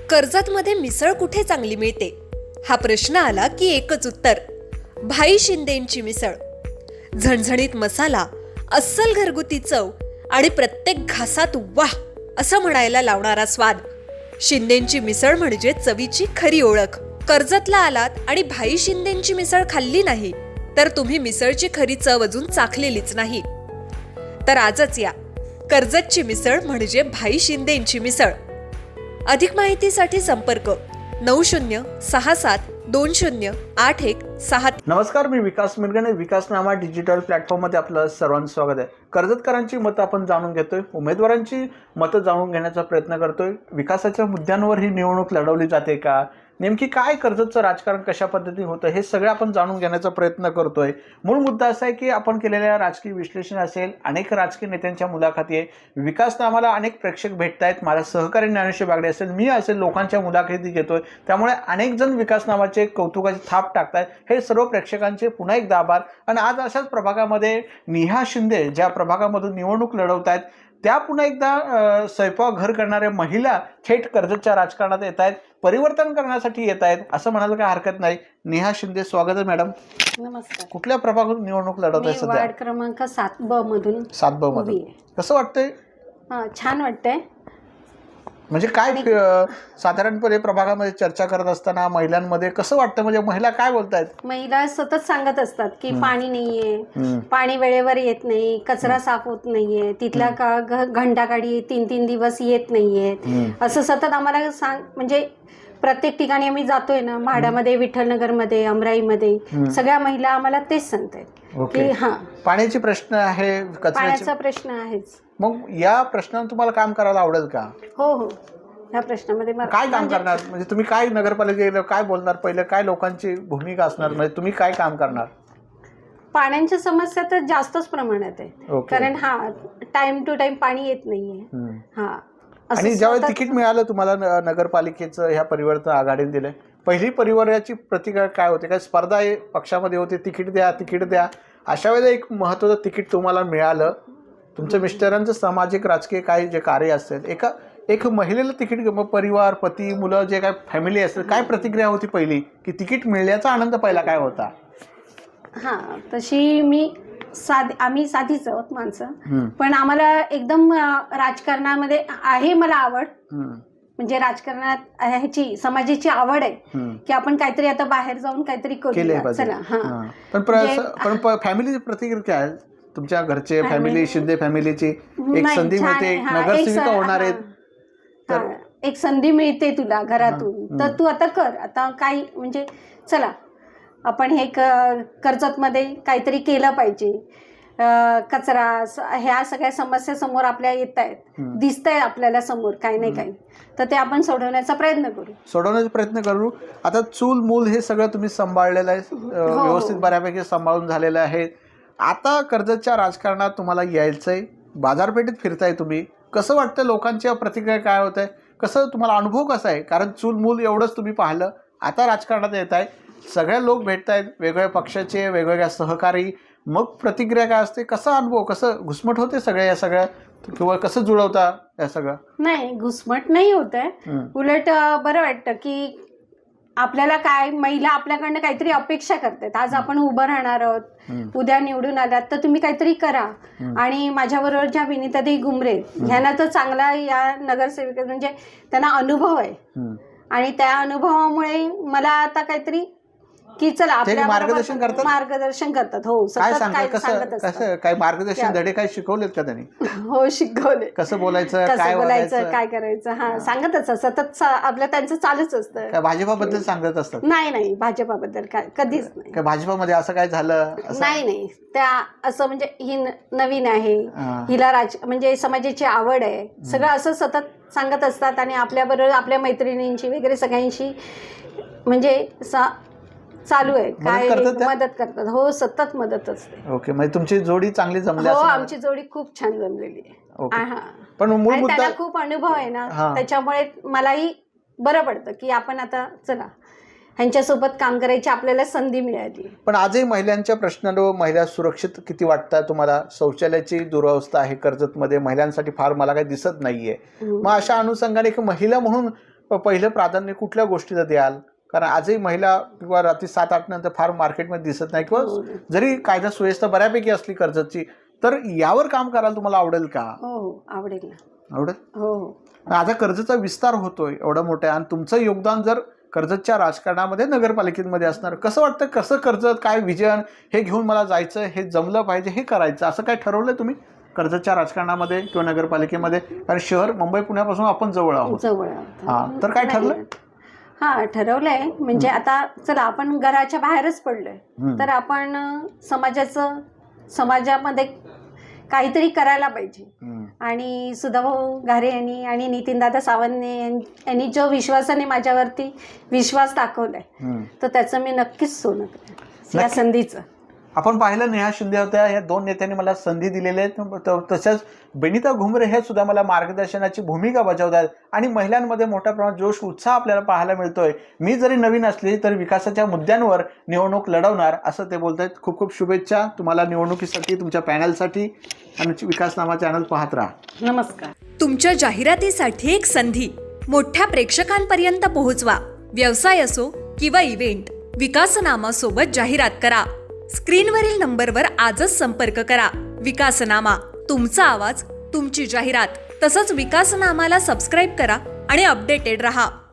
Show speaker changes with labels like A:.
A: कर्जतमध्ये मिसळ कुठे चांगली मिळते हा प्रश्न आला की एकच उत्तर, भाई शिंदेंची मिसळ. झणझणीत मसाला, अस्सल घरगुती चव आणि प्रत्येक घासात वाह असं म्हणायला लावणारा स्वाद. शिंदेंची मिसळ म्हणजे चवीची खरी ओळख. कर्जतला आलात आणि भाई शिंदेंची मिसळ खाल्ली नाही तर तुम्ही मिसळची खरी चव अजून चाखलेलीच नाही. तर आजच या, कर्जतची मिसळ म्हणजे भाई शिंदेंची मिसळ. अधिक माहितीसाठी संपर्क 9067208106.
B: नमस्कार, मी विकास मिरगणे. विकासनामा डिजिटल प्लॅटफॉर्ममध्ये आपलं सर्वांचं स्वागत आहे. कर्जतकरांची मतं आपण जाणून घेतोय, उमेदवारांची मतं जाणून घेण्याचा प्रयत्न करतोय. विकासाच्या मुद्द्यांवर ही निवडणूक लढवली जाते का, नेमकी काय कर्जतचं राजकारण कशा पद्धतीने होतं हे सगळं आपण जाणून घेण्याचा प्रयत्न करतोय. मूळ मुद्दा असा आहे की आपण केलेल्या राजकीय विश्लेषण असेल, अनेक राजकीय नेत्यांच्या मुलाखती आहे, विकासनामाला अनेक प्रेक्षक भेटत आहेत, माझा सहकारी ज्ञानेश्वर बागडे असेल, मी असेल, लोकांच्या मुलाखती घेतोय. त्यामुळे अनेक जण विकासनामाचे कौतुकाची थाप टाकतायत. हे सर्व प्रेक्षकांचे पुन्हा एकदा आभार. आणि आज अशाच प्रभागामध्ये नेहा शिंदे ज्या प्रभागामधून निवडणूक लढवत आहेत त्या पुन्हा एकदा स्वयंपाकघर करणाऱ्या महिला थेट कर्जतच्या राजकारणात येत आहेत, परिवर्तन करण्यासाठी येत आहेत असं म्हणायला काही हरकत नाही. नेहा शिंदे, स्वागत आहे मॅडम.
C: नमस्कार.
B: कुठल्या प्रभागातून निवडणूक लढवत आहे सध्या?
C: वार्ड क्रमांक 7B मधून.
B: 7B मधून. कसं वाटतंय?
C: छान वाटतंय.
B: म्हणजे काय साधारणपणे प्रभागामध्ये चर्चा करत असताना महिलांमध्ये कसं वाटतं, म्हणजे महिला काय बोलतायत?
C: महिला सतत सांगत असतात की पाणी नाहीये, पाणी वेळेवर येत नाही, कचरा साफ होत नाहीये, तिथल्या घंटागाडी 3-3 दिवस येत नाहीये, असं सतत आम्हाला म्हणजे प्रत्येक ठिकाणी आम्ही जातोय ना, म्हाडामध्ये, विठ्ठलनगरमध्ये, अमराईमध्ये, सगळ्या महिला आम्हाला तेच सांगतायत की
B: पाण्याचे प्रश्न आहे,
C: पाण्याचा प्रश्न आहेच.
B: मग या प्रश्नावर तुम्हाला काम करायला आवडेल का?
C: हो हो, ह्या प्रश्नामध्ये
B: काय काम करणार, म्हणजे तुम्ही काय नगरपालिकेला काय बोलणार, पहिलं काय लोकांची भूमिका असणार, म्हणजे तुम्ही काय काम करणार?
C: पाण्याच्या समस्या तर जास्तच प्रमाणात आहे, कारण टाइम टू टाइम पाणी येत नाहीये.
B: आणि ज्यावेळी तिकीट मिळालं तुम्हाला नगरपालिकेचं ह्या परिवर्तन आघाडीने दिलंय, पहिली परिवाराची प्रतिक्रिया काय होते? काय स्पर्धा पक्षामध्ये होते, तिकीट द्या तिकीट द्या, अशा वेळेला एक महत्त्वाचं तिकीट तुम्हाला मिळालं, तुमच्या मिस्टरांचं सामाजिक राजकीय काय जे कार्य असेल, एक महिलेला तिकीट, परिवार, पती, मुलं, जे काय फॅमिली असेल, काय प्रतिक्रिया होती पहिली, की तिकीट मिळण्याचा आनंद पहिला काय होता?
C: तशी आम्ही साधीच आहोत माणसं, पण आम्हाला एकदम राजकारणामध्ये आहे मला आवड, म्हणजे राजकारणात ह्याची समाजाची आवड आहे की आपण काहीतरी आता बाहेर जाऊन काहीतरी करूया. चला.
B: पण फॅमिलीची प्रतिक्रिया काय आहे? तुमच्या घरचे फॅमिली, शिंदे फॅमिलीची एक संधी मिळते, नगरसेविका होणार आहेत,
C: एक संधी मिळते तुला घरातून, तर तू आता कर. आता काही म्हणजे चला आपण हे कर्जतमध्ये काहीतरी केलं पाहिजे. कचरा, ह्या सगळ्या समस्या समोर आपल्या येत आहेत, दिसत आहे आपल्याला समोर काही नाही काही, तर ते आपण सोडवण्याचा प्रयत्न करू.
B: आता चूल मूल हे सगळं तुम्ही सांभाळलेलं आहे, व्यवस्थित बऱ्यापैकी सांभाळून झालेलं आहे. आता कर्जतच्या राजकारणात तुम्हाला यायचंय, बाजारपेठेत फिरताय तुम्ही, कसं वाटतं? लोकांच्या प्रतिक्रिया काय होत आहे, कसं तुम्हाला अनुभव कसा आहे? कारण चूल मूल एवढंच तुम्ही पाहिलं, आता राजकारणात येत आहे, सगळे लोक भेटत आहेत, वेगवेगळ्या पक्षाचे, वेगवेगळ्या सहकारी, मग प्रतिक्रिया काय असते? कसा अनुभव, कसं घुसमट होते सगळ्या या सगळ्या, किंवा कसं जुळवता या सगळं?
C: नाही, घुसमट नाही होत आहे, उलट बरं वाटतं की आपल्याला काय, महिला आपल्याकडनं काहीतरी अपेक्षा करतात. आज आपण उभं राहणार आहोत, उद्या निवडून आलात तर तुम्ही काहीतरी करा. आणि माझ्याबरोबर ज्या विनीताताई घुमरे, ह्यांना तर चांगला या नगरसेविका म्हणजे त्यांना अनुभव आहे, आणि त्या अनुभवामुळे मला आता काहीतरी की चला आपल्या मार्गदर्शन करतात. हो,
B: काय मार्गदर्शन धडे काय शिकवलेत का त्यांनी?
C: हो, शिकवले.
B: कसं बोलायचं,
C: काय करायचं, सांगतच सतत आपलं त्यांचं चालूच असतं.
B: काय भाजपाबद्दल सांगत असतात?
C: नाही, भाजपाबद्दल काय कधीच नाही.
B: काय भाजपामध्ये असं काय झालं?
C: नाही, त्या असं म्हणजे ही नवीन आहे, हिला म्हणजे समाजाची आवड आहे, सगळं असं सतत सांगत असतात. आणि आपल्याबरोबर आपल्या मैत्रिणींशी वगैरे सगळ्यांशी म्हणजे चालू आहे, काय मदत करतात. हो, सतत मदत असते.
B: ओके, म्हणजे तुमची जोडी चांगली जमली?
C: हो, आमची जोडी खूप छान जमलेली आहे.
B: पण
C: त्याला खूप अनुभव आहे ना, त्याच्यामुळे मलाही बरं पडतं की आपण आता चला ह्यांच्यासोबत काम करायची आपल्याला संधी मिळाली.
B: पण आजही महिलांच्या प्रश्नांवर महिला सुरक्षित किती वाटतात तुम्हाला? शौचालयाची दुरावस्था आहे कर्जतमध्ये, महिलांसाठी फार मला काही दिसत नाहीये. मग अशा अनुषंगाने एक महिला म्हणून पहिलं प्राधान्य कुठल्या गोष्टीला द्याल? कारण आजही महिला किंवा रात्री 7-8 नंतर फार मार्केटमध्ये दिसत नाही, किंवा जरी कायदा सुव्यवस्था बऱ्यापैकी असली कर्जतची, तर यावर काम करायला तुम्हाला आवडेल का?
C: हो आवडेल ना.
B: आवडेल.
C: हो
B: आता कर्जतचा विस्तार होतोय एवढा मोठा, आणि तुमचं योगदान जर कर्जतच्या राजकारणामध्ये नगरपालिकेमध्ये असणार, कसं वाटतं, कसं कर्जत काय विजन हे घेऊन मला जायचं, हे जमलं पाहिजे, हे करायचं, असं काय ठरवलंय तुम्ही कर्जतच्या राजकारणामध्ये किंवा नगरपालिकेमध्ये? कारण शहर मुंबई पुण्यापासून आपण जवळ आहोत.
C: जवळ
B: हां, तर काय ठरलं?
C: हा ठरवलंय, म्हणजे आता चला आपण घराच्या बाहेरच पडलोय, तर आपण समाजामध्ये काहीतरी करायला पाहिजे. आणि सुधाभाऊ घारे यांनी आणि नितीनदादा सावंत यांनी जो विश्वासाने माझ्यावरती विश्वास दाखवलाय, तर त्याचं मी नक्कीच सोनं करेन या संधीचं.
B: आपण पाहिलं नेहा शिंदे होत्या, या 2 नेत्यांनी मला संधी दिलेली आहेत. तसंच बेनिता घुमरे हे सुद्धा मला मार्गदर्शनाची भूमिका बजावतात, आणि महिलांमध्ये मोठ्या प्रमाणात जोश उत्साह आपल्याला पाहायला मिळतोय. मी जरी नवीन असली तर विकासाच्या मुद्द्यांवर निवडणूक लढवणार, असं ते बोलत आहेत. खूप खूप शुभेच्छा तुम्हाला निवडणुकीसाठी, तुमच्या पॅनलसाठी, आणि विकासनामा चॅनल पाहत राहा.
C: नमस्कार.
A: तुमच्या जाहिरातीसाठी एक संधी मोठ्या प्रेक्षकांपर्यंत पोहोचवा. व्यवसाय असो किंवा इव्हेंट, विकासनामा सोबत जाहिरात करा. स्क्रीनवरील नंबरवर आजच संपर्क करा. विकासनामा, तुमचा आवाज, तुमची जाहिरात. तसंच विकासनामाला सबस्क्राईब करा आणि अपडेटेड रहा.